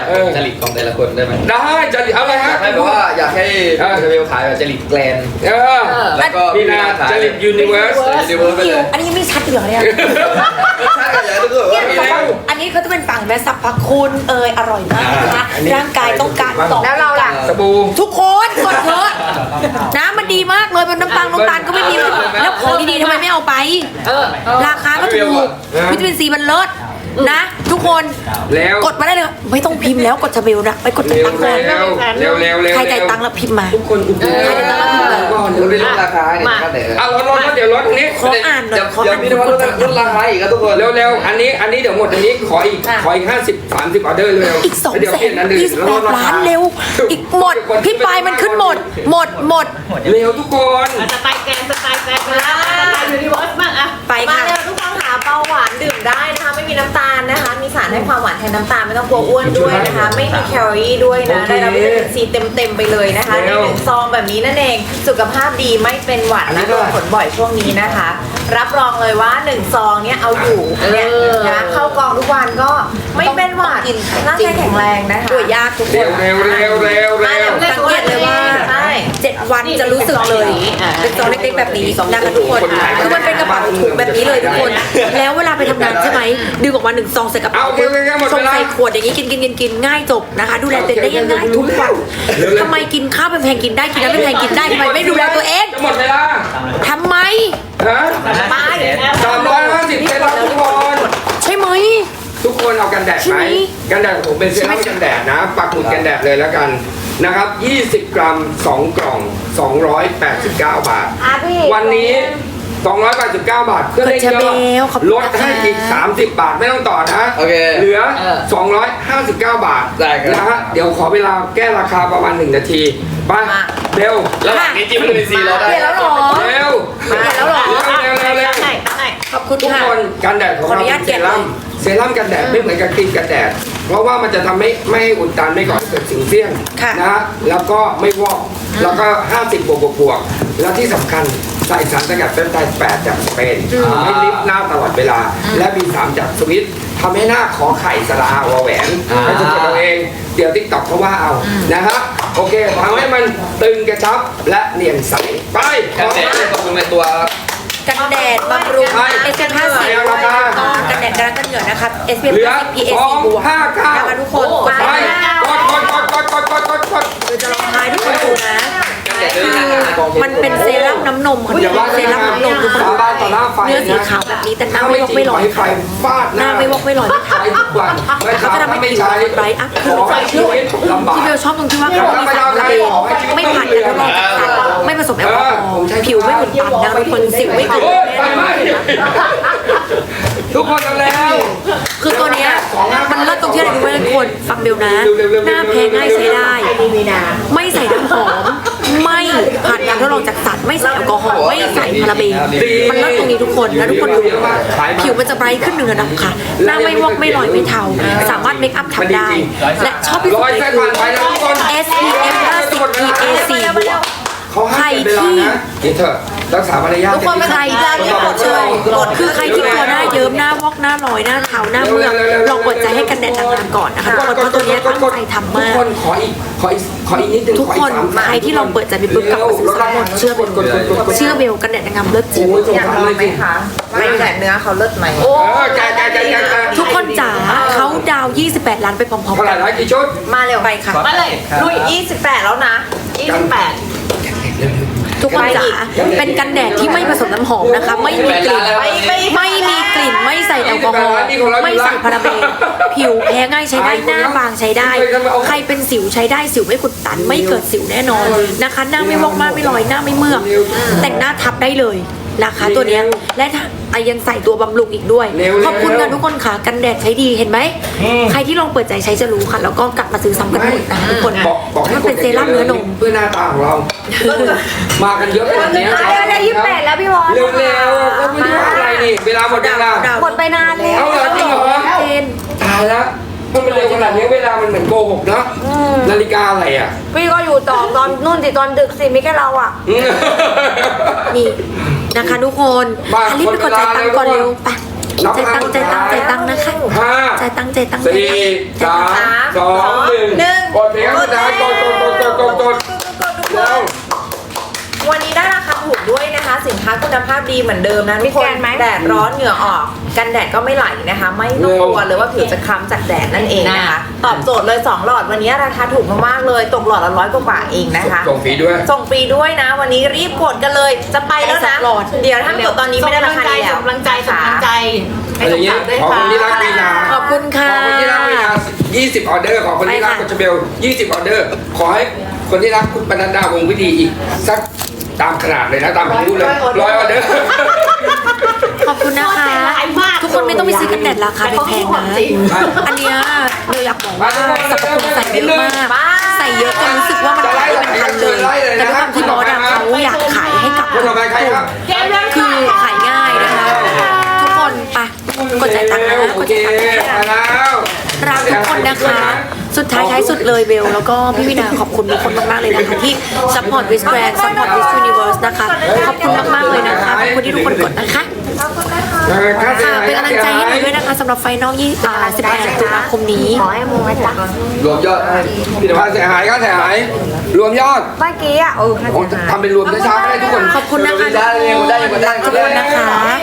S1: เออ
S4: จริตของแต่ละคนได้ไหม
S1: ได้จะอะไรฮะ
S4: ไม่เพราะว่าอยากให้เชเบลขายแบบจริตแกลน
S1: เออ
S4: แล้วก็
S1: พี่นาจริตยูนิเวิร์ส
S4: ยูนิเวิร์สไป
S5: คิ
S4: เล
S5: วย อันนี้ยังไม่ชัดอยู่เหรอเนี่ย
S4: ใช่อยากให้ทุกคนแบบว่า
S5: อันนี้เขาจะเป็นฝั่งแม่สรรพคุณเอยอร่อยมากนะคะร่างกายต้องการต่อ
S2: แล้วเราล่ะ
S1: สบู่
S5: ทุกคนกดเถอะน้ำมันดีมากเลยเป็นน้ำตาลน้ำตาลก็ไม่มีแล้วของดีๆทำไมไม่เอาไป
S3: เออ
S5: ราคาก็ถูกวิตามินซีมันเลิศนะ ทุกคน
S1: แล้ว
S5: กดมาได้เลยไม่ต้องพิมพ์แล้วกดจะเบลนะไปกดจ่าย
S1: เร็ว
S5: ตังค์ก่อน
S1: เร็วเร็วเร็วเร็ว
S5: ใครจ่ายตังค์แล้วพิมพ์มา
S1: ทุกคนอุดหนุน
S5: ใครจ่ายตังค์แล้วพิมพ์มา
S1: ก่อน
S4: เดี๋ยวไปลดราคาเนี่ยก็แต่
S1: อ่ะลดลดลดเดี๋ยวลดตรงนี้
S5: ขออ่านหน่อย
S4: เดี๋ยว
S5: ขอ
S4: เดี๋ยว
S5: อ่าน
S4: พี่นวัดลดลดราคาอีกครับทุกคน
S1: เร็วเร็วอันนี้อันนี้เดี๋ยวหมดอันนี้ขออีกขออีกห้าสิบสามสิบออเดอร์เร็ว
S5: อีกสอง
S1: เดี๋ยว
S5: แส
S1: เปลี่ย
S5: น
S1: นอันอื่น
S5: ยี่สิบ
S1: แล้ว
S5: แป
S1: ล
S5: ด
S1: ดรา
S5: ล้า
S1: คาน
S5: เร็ว อีกหมดพี่ปลายมันขึ้นหมด หมดหมด
S1: เร็วทุกคน
S3: สไตล์แกนสไตล์แกนมาแล้วสไตล์ยูนิเวิร์สบ้างอะ
S5: ไป
S6: มา
S5: ค่ะ
S6: เร็วทุกคนหาเบาหวานดื่มได้นะคะไม่มีน้ำตาลนะคะ มีสารให้ความหวานแทนน้ำตาลไม่ต้องกลัวอ้วนด้วยนะคะ ไม่มีแคลอรี่ด้วยนะได้รับวิตามินซีเต็มๆไปเลยนะคะในหนึ่งซองแบบนี้นั่นเองสุขภาพดีไม่เป็นหวัดนะโดนผลบ่อยช่วงนี้นะคะ รับรองเลยว่าหนึ่งซองเนี้ยเอาอยู่เนี่ยนะเข้ากองทุกวันก็ไม่เป็นหวัดร่างกายแข็งแรงนะคะ
S5: ตัวยากทุกค
S1: เร็วน เร็วเร็วเร็วเร็ว
S5: สังเกตเลยว่า
S6: ใช่
S5: เจ็ดวันจะรู้สึกเลย เป็นซองเล็กๆแบบนี้นะคะทุกคนคือมันเป็นกระเป๋าถุงแบบนี้เลยทุกคน แล้วเวลาไปทำงานใช่ไหมดึงออกมาหนึ่งซองใส่กระเป๋าส่งใส่ขวดอย่างนี้กินกินกินกินง่ายจบนะคะ ดูแลตัวเองได้ง่ายๆทุกวันทำไมกินข้าวเป็นแพงกินได้กินน้ำเป็นแพงกินได้ทำไมไม่ดูแลตัวเอง
S1: จะหมดเวลา
S5: ทำไม
S1: ฮะ
S6: ไป
S1: สามร้อยห้าสิบเซรั่มทุกคน
S5: ใช่ไหม
S1: ทุกคนเอากันแดด
S5: ใช่
S1: ไห
S5: ไห
S1: ม
S5: ม
S1: กันแดดของผมเป็นเซรั่มกันแดดนะปักหมุดกันแดดเลยแล้วกันนะครับยี่สิบกรัมสองกล่องสองร้อยแปดสิบเก้าบาท
S2: อ่ะพี่
S1: วันนี้สองร้อยแปดสิบเก้าบาทเพื่อได้เยอะลดให้อีกสามสิบบาทไม่ต้องต่อนะ
S4: โอเค
S1: เหลือสองร้อยห้าสิบเก้าบาท
S4: ได้ครับ
S1: นะฮะเดี๋ยวขอเวลาแก้ราคาประมาณหนึ่งนาทีไปเร็ว
S4: ระหว่างนี้จิ้มวิตามินซีเราได้
S5: เปลี่ยนแล้วเหรอ
S1: เร็ว
S5: เปลี่ยนแล้วเหรอ
S1: เร็วเร็วเร็ว
S3: ไหนไหน
S5: ขอบคุณ
S1: ทุก
S5: ค่ะ
S1: คนกันแดดของ
S5: ขออ
S1: เรา
S5: นุญา
S1: เป็
S5: ต
S1: นเซรั่ม
S5: เก็บ
S1: เซรั่มกันแดดไม่เหมือนกับครีมกันแดด เพราะว่ามันจะทำให้ไม่ให้อุดตันไม่ก่อให้เกิดสิวเสี้ยน
S5: ค่ะ
S1: นะฮะแล้วก็ไม่วอกแล้วก็ห้าสิบบวกบวกบวกแล้วที่สำคัญใส่สารสกัดเปปไทด์แปดจากสเปนทำให้ลิฟต์หน้าตลอดเวลา และบีสามจากสวิตทำให้หน้าขอไข่สลาวอแหวนให้ทุกคนเอาเองเดี๋ยวติ๊กต็อกเขาว่าเอานะฮะโอเคทำให้มันตึงกระชับและเนียนใสไป
S4: กันแดดเนี่ยบำรุงในตัว
S5: กันแดดบำรุง
S1: ใช่
S5: เอส พี เอฟ ห้าสิบ
S1: ราคา
S5: กันแดดกันกันเหงื่อนะคะ เอส พี เอฟ
S1: เหลือ
S5: ห้าสิบ พี เอ
S1: ส
S5: ซี
S1: อง
S5: บวก
S1: ห้าเก้า
S5: นะคะทุกคนกด
S1: ไป
S5: ได้นะ
S1: กดกดกดกดกดกดกดกด
S5: คือจะลองทายทุกคนดูนะ
S4: กันแดดด้วย
S5: คือ
S4: นะ
S5: มันเป็นเซรั่มน้ำนมค่ะ
S1: อย่าว่า
S5: เซรั่มน้ำนมทุกคน
S1: สาบานต่อหน้าไฟ
S5: เนื้อสี
S1: นะ
S5: ขาวแบบนี้แต่หน้า
S1: ถ้า
S5: ไม่
S1: ไม่
S5: วอก
S1: จริ
S5: ไม่
S1: ง
S5: ล
S1: ข
S5: อ
S1: อย ให้ไฟฟาดห
S5: ห
S1: น้า
S5: น้าไม่วอกไม่ลอย
S1: ใช้ทุกวันไม่
S5: เขาจะทำให้
S1: ไม่
S5: ผิว
S1: ใช้
S5: ไบรท์อัพ
S1: ข
S5: คือ
S1: อให้ชีวิตลำบาก
S5: ที่เบลชอบตรงที่ว่าเขามีสารระเบนไม่ผ่านการทดลองจากสัตว์ไม่ผสมแอลกอฮอล์ผิวไม่หมุนตันนะคะทุกคนสิวไม่เกิด
S1: โอ้ย
S5: แน่
S1: ไฟ
S5: น
S1: ไหม้
S5: อน
S1: ทุกคนเอาแล้ว
S5: คือตัวเนี้ยมันเลิศตรงที่อะไรรู้ไหมทุกคนฟังเบลนะ หน้าแพ้ง่ายใช้ได้ ไม่ใส่น้ำหอม ไม่ผ่านการทดลองจากสัตว์ไม่ใส่แอลกอฮอล์ไม่ใส่พาราเบนมันเลิศตรงนี้ทุกคนแล้วทุกคนดูผิวมันจะไบรท์ขึ้นหนึ่งระดับค่ะ หน้าไม่วอกไม่ลอยไม่เทาสามารถเมคอัพทำได้ และชอบที่สุ
S1: ร้
S5: ด
S1: อย
S5: เล
S1: เส้
S5: ย
S1: น
S5: คื
S1: ผ่า
S5: อน
S1: ไปแล้วทุกคน
S5: เอส พี เอฟ ห้าสิบ พี เอ สี่ บวก
S1: เขาให้เวลานะกินเถอะรักษามารยาท
S5: ทุกคนใครได้ที่กดเลยกดคือใครที่กลัวหน้าเยิ้มหน้าวอกหน้าลอยหน้าเทาหน้าเมือกลองกดใจให้กันแดดนางงามก่อนนะคะทุกคนเพราะตัวเนี้ยตั้งใจทำมาก
S1: ทุกคนขออีกขออีกขออีกนิดนึง
S5: ทุกคน
S1: ขออีสาม
S5: ใครที่ลองเปิดใจไปปุ๊บกลับมาซื้อซ้ำหมดเชื่อเบลเชื่อเบลกันแดดนางงามเลิศจริง
S1: โอ้ยสง
S6: อยาก
S1: สาร
S6: ลอ
S1: เล
S6: ง
S1: ย
S6: ไหม
S1: จริง
S6: คะว่าแต่เนื้อเขาเลิศไหม
S1: เออแกแกแกแกแก
S5: ทุกคนจ๋าเขาดาวยี่สิบแปดล้านไปพร้อม
S1: เท่า
S5: ๆ
S1: ไห
S5: กั
S1: ร่
S5: น
S1: นะกี่ชุด
S6: มาเร็ว
S5: ไปค่ะ
S3: มาเลยลุย
S6: ยี่สิบแปดแล้วนะ
S3: ยี่สิบแปด
S5: ทุกคนจ๋าเป็นกันแดดที่ไม่ผสมน้ำหอมนะคะ ไม่มีกลิ่น
S6: ไม่ไม่
S5: ไม่มีกลิ่นไม่ใส่แอลกอฮอล์ไม่ใส่พาราเบนผิวแพ้ง่ายใช้ได้หน้าบางใช้ได้ ใครเป็นสิวใช้ได้สิวไม่ขุดตันไม่เกิดสิวแน่นอนนะคะ หน้าไม่วอกมากไม่ลอยหน้าไม่เมือกแต่งหน้าทับได้เลยนะคะตัวเนี้ยและถ้าอ่ะยังใส่ตัวบำรุงอีกด้วย ขอบคุณกันทุกคนค่ะกันแดดใช้ดีเห็นไหมใครที่ลองเปิดใจใช้จะรู้ค่ะ แล้วก็กลับมาซื้อซ้ำกันหมดนะคะทุกคน
S1: บอกบอกให้
S5: มันเป็นเซรั่มเนื้อนม
S1: เพื่อหน้าตาของเรา มากันเยอะขนาดนี้
S2: ได้ได้ยี่สิบแปดแล้วพี่วอน
S1: เร็วๆก็ไม่รู้ว่าอะไรนี่เวลาหมดเวลา
S2: หมดไปนานแล้ว
S1: เอาเหรอจริงเหรอ
S5: เจน
S1: ตายแล้วมันเป็นเร็วขนาดนี้เวลามันเหมือนโกหกเนาะนาฬิกาอะไรอ่ะ
S2: พี่ก็อยู่ต่อตอนนู่นสิตอนดึกสิไม่แค่เราอ่ะ
S5: นี่นะคะทุกคน
S1: มา
S5: อันนี้ไปกดจ่ายตังค์ก่อนเร็วไป
S1: รับ
S5: จ่ายตังค์จ่ายตังค์จ่ายตังค์นะคะ
S1: ห้า
S5: จ่ายตั้งใจตั้งใจ
S1: สี่สามสองหนึ่งกดเพลงสุดท้ายกดกดกดกดกดกดแล้ว
S6: วันนี้ได้ราคาถูกด้วยนะคะ สินค้าคุณภาพดีเหมือนเดิมนะทุกคนแดดร้อนเหงื่อออก กันแดดก็ไม่ไหลนะคะ ไม่ต้องกลัวเลยว่าผิวจะคล้ำจากแดดนั่นเองนะคะ ตอบโจทย์เลยสองหลอดวันนี้ราคาถูกมากๆเลยตกหลอดละร้อยกว่าบาทเองนะคะ
S1: ส่งฟรีด้วย
S6: ส่งฟรีด้วยนะ วันนี้รีบกดกันเลยจะไปแล้วนะเดี๋ยวถ้ากดตอนนี้ไม่ได้ราคานี้แล้ว
S3: ส่งกำลังใจส่งกำลังใจให้
S1: อะไร
S3: ส
S1: อย่าง
S3: ม
S1: เงี้ย
S3: ศักดิ์ด้วย
S1: ขอ
S3: ค่ะ
S1: คนที่รักวีนา
S5: ขอบคุณ
S1: ข
S5: ค่ะ
S1: อคนที่รักวีนายี่สิบออเดอร์ขอคนที่รัก
S5: ไปค่ะ
S1: กุชเบลยี่สิบออเดอร์ ขอให้คนที่รักคุณปนัดดาวงศ์วิธีอีกสักตามขนาดเลยนะตามอายุเลยร้อยออเดอร์
S5: ขอบคุณนะคะ ทุกคนไม่ต้องไปซื้อกันแดดราคาแพงๆนะ อันเนี้ยเราอยากบอกว่าสรรพคุณใส่เยอะมาก ใส่เยอะจนรู้สึกว่ามันขายไม่เป็นพันเลย แต่ด้วยความที่บอสอะเขาอยากขายให้กับ
S1: คนต่อไปใครครับ
S5: คือขายง่ายนะคะ ทุกคนไปกดจ่ายตังค์นะ
S1: โอก
S5: ด
S1: เค
S5: จ่ายตังค์นะ
S1: มาแล้ว
S5: รักทุกคนนะคะ สุดท้ายท้ายสุดเลยเบล แล้วก็พี่วินาขอบคุณทุกคนมากๆเลยนะคะที่ซัพพอร์ตวิสแกรนด์ซัพพอร์ตวิสยูนิเวิร์สนะคะ ขอบคุณมากๆเลยนะคะ ขอบคุณที่ทุกคนกดนะคะ
S1: เออค่าเสีย
S5: ค่ะ
S1: หาย
S5: เป็นกำลังใจให้หนูด้วยนะคะสำหรับไฟนอลยี่อ่าสิบแปดตุลาคมนี้
S2: ขอให้มึงนะจ๊ะ
S1: รวมยอดพี่ค่าเสียหายค่าเสียหาย รวมยอด
S2: เมื่อกี้อ่ะเออ
S1: โอ้ทำเป็นรวมช้าๆก็ได้ทุกคน
S5: ขอบคุณนะคะ
S1: ได้เลยได้เลยได้
S5: ขอบคุณนะคะ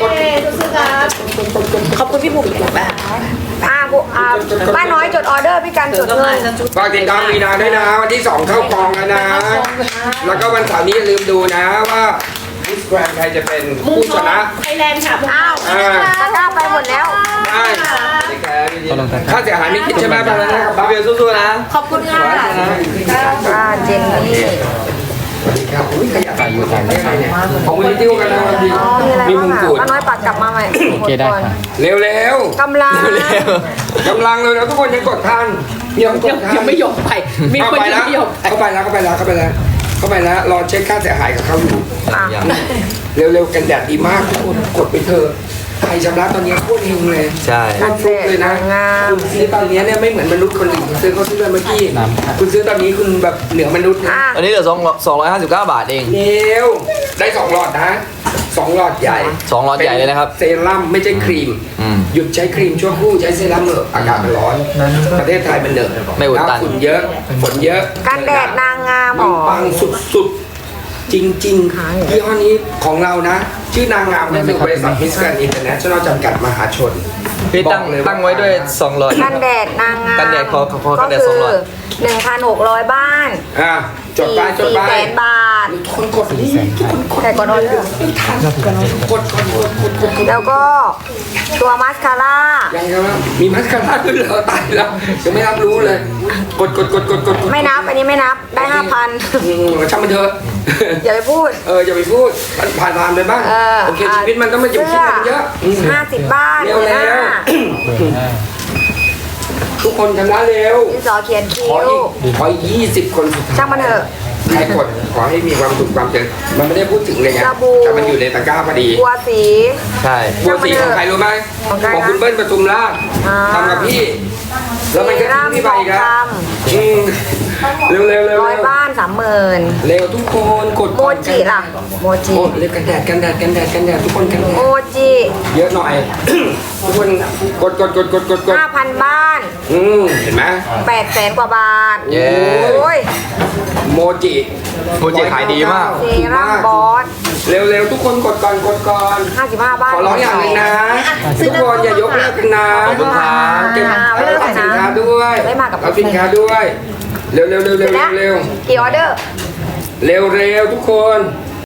S5: ขอบคุณพี่บุ๋มแบบ
S2: อ่าบุอ่าป้าน้อยจดออเดอร์พี่กันจดเลย
S1: ฝากติดตามวีนาด้วยนะวันที่สองเข้ากองแล้วนะ แล้วก็วันเสาร์นี้อย่าลืมดูนะว่ามิสแกรนด์ใครจะเป็นผู้ชนะ
S3: ไทยแลนด์ค่ะ
S2: อ้าว
S1: อ่า
S2: ตะกร้าไปหมดแล้ว
S1: ได้ค่าเสียหายไม่คิดใช่ไหมบ้างนะครับบ้าเบลสู้ๆนะ
S5: ขอบคุณค่ะ
S2: อ่าเจนนี่
S1: สวัสดีครับอุ้ยขยับอยู่ตามได้ไงเนี่ยของมูลนิธิกันนะวันดี
S2: อ๋อมีอะไร
S1: มี
S2: บ้าม ง
S1: ง
S2: อ่ะ
S1: กุฎ
S2: ป้าน้อยปัดกลับมาใหม่โอเคได้ค่ะ
S1: เร็วเร็ว
S2: กำลัง
S1: กำลังเลยนะทุกคนยังกดทันยังกดทัน
S3: ยังไม่ยอมไปมี
S1: เข้า
S3: คน
S1: ไป
S3: ยั
S1: แล้
S3: ง
S1: ว
S3: ไม่ยอมไป
S1: เข้าไปแล้วเข้าไปแล้วเข้าไปแล้วเข้าไปแล้วรอเช็คค่าเสียหายกับเขาอยู่
S2: อ่ะ
S1: เร็วๆกันแดดดีมากทุกคนกดไปเถอะใครชำระตอนนี้โคตรเฮงเลย
S4: ใช่
S1: โคตรฟลุกเลยนะ
S2: งาม
S1: คุณซื้อตอนนี้เนี่ยไม่เหมือนมนุษย์คนอื่นคุณซื้อเขาซื้อเมื่อกี้คุณซื้อตอนนี้คุณแบบเหนือมนุษย์นะ
S2: อ่ะ
S4: อันนี้เหลือสองสองร้อยห้าสิบเก้าบาทเอง
S1: เร็วได้สองหลอดนะสองหลอดใหญ่
S4: สองหลอดใหญ่เลยนะครับ
S1: เซรั่มไม่ใช่ครีม
S4: อืม
S1: หยุดใช้ครีมชั่วครู่ใช้เซรั่มเถอะอากาศมันร้อน ประเทศไทยมันเหนอะ
S4: ไม่อุดตัน
S1: ฝุ่นเยอะฝนเยอะ
S2: กันแดดนางงามห
S1: มั
S2: ร
S1: น
S2: อ
S1: ปังสุดๆ จริงๆยี่ห้อนี้ของเรานะ ชื่อนางงามก็คือบริษัทมิสแกรนด์อินเตอร์เนชั่นแนลจำกัดมหาชน
S4: พี่ตั้ง
S1: บอกเลย
S4: ตั้งไว้ด้วยสองร้อย
S2: กันแดดนางงาม
S4: กันแดดขอขอขอกันแดดสองหลอด
S2: หนึ่งพันหกร้อยบ้าน
S1: อ่ะจดไปจด
S2: สี่
S1: ไป
S2: แสนบาท
S1: ทุกคนกดนี่ทุกคนกด
S2: แต่ก่อนออเดอร์
S1: กดกดกดกดกดกด
S2: แล้วก็ตัวมาสคาร่า
S1: ยังไงวะมีมัสคาร่าด้วยเหรอตายแล้วยังไม่รับรู้เลย กดกดกดกดกดกด
S2: ไม่นับ อันนี้ไม่นับ ได้ห้าพัน
S1: อืมช่างมันเถอะ
S2: อย่าไปพูด
S1: เอออย่าไปพูดมันผ่านผ่านไปบ้าง
S2: เออ
S1: โอเคชีวิตมันต้องมาอยู่ที่มันเยอะอืม
S2: ห้าสิบบ้าน
S1: เร็ว
S2: ห
S1: แล้
S2: น้าว
S1: ทุกคนชำระเร็ว
S2: ดินสอเขียนคิ้
S1: ขอ
S2: ว
S1: อีกขออีกยี่สิบคนสุดท้าย
S2: ช่างมันเถอะ
S1: ใครกดขอให้มีความสุขความเจริญมันไม่ได้พูดถึงเลยไง
S2: สบู่
S1: แต่มันอยู่ในตะกร้าพอดี
S2: บัวสี
S4: ใช่
S1: บัวสีของใครรู้ไหม
S2: ของใครนะ
S1: ของคุณเบิ้ลปทุมราช
S2: อ่า
S1: ทำกับพี่ แล้วมันก็ทิ้งพี่ไปอีกแล้ว
S2: ท
S1: อืมเร็วเร็วเร็ว
S2: ร้อยบ้านสามหมื่น
S1: เร็วทุกคนกด
S2: โมจิล่ะ โมจิ
S1: โอ้เร็วกันแดดกันแดดกันแดดกันแดดทุกคนกันแดด
S2: โมจิ
S1: เยอะหน่อย ทุกคนกดกดกดกดกดกด
S2: ห้าพันบ้าน
S1: อืมเห็นไหม
S2: แปดแสนกว่าบาท
S4: เย้
S2: โอ้ย
S1: โมจิ
S4: โมจิขายดีมาก
S2: เซรั่มบอส
S1: เร็วเร็วทุกคนกดก่อนกดก่อน
S2: ห้าสิบห้าบ้าน
S1: ขอร้องอย่างหนึงนะ ทุกคนอย่ายกเลิกกันนะ
S4: ขอบคุณครับ
S1: เก็บ
S2: ไม่เลิก
S1: เอา
S2: กัน
S1: สิน
S2: นะ
S1: ค้าด้วย
S2: ไม่มากับ
S1: เอาสินค้าด้วย เร็วเร็วเร็ว
S2: เสร็
S1: เร็
S2: จ
S1: ว
S2: แล้ว
S1: เร็ว
S2: กี่ออเดอร์
S1: เร็วเร็วทุกคน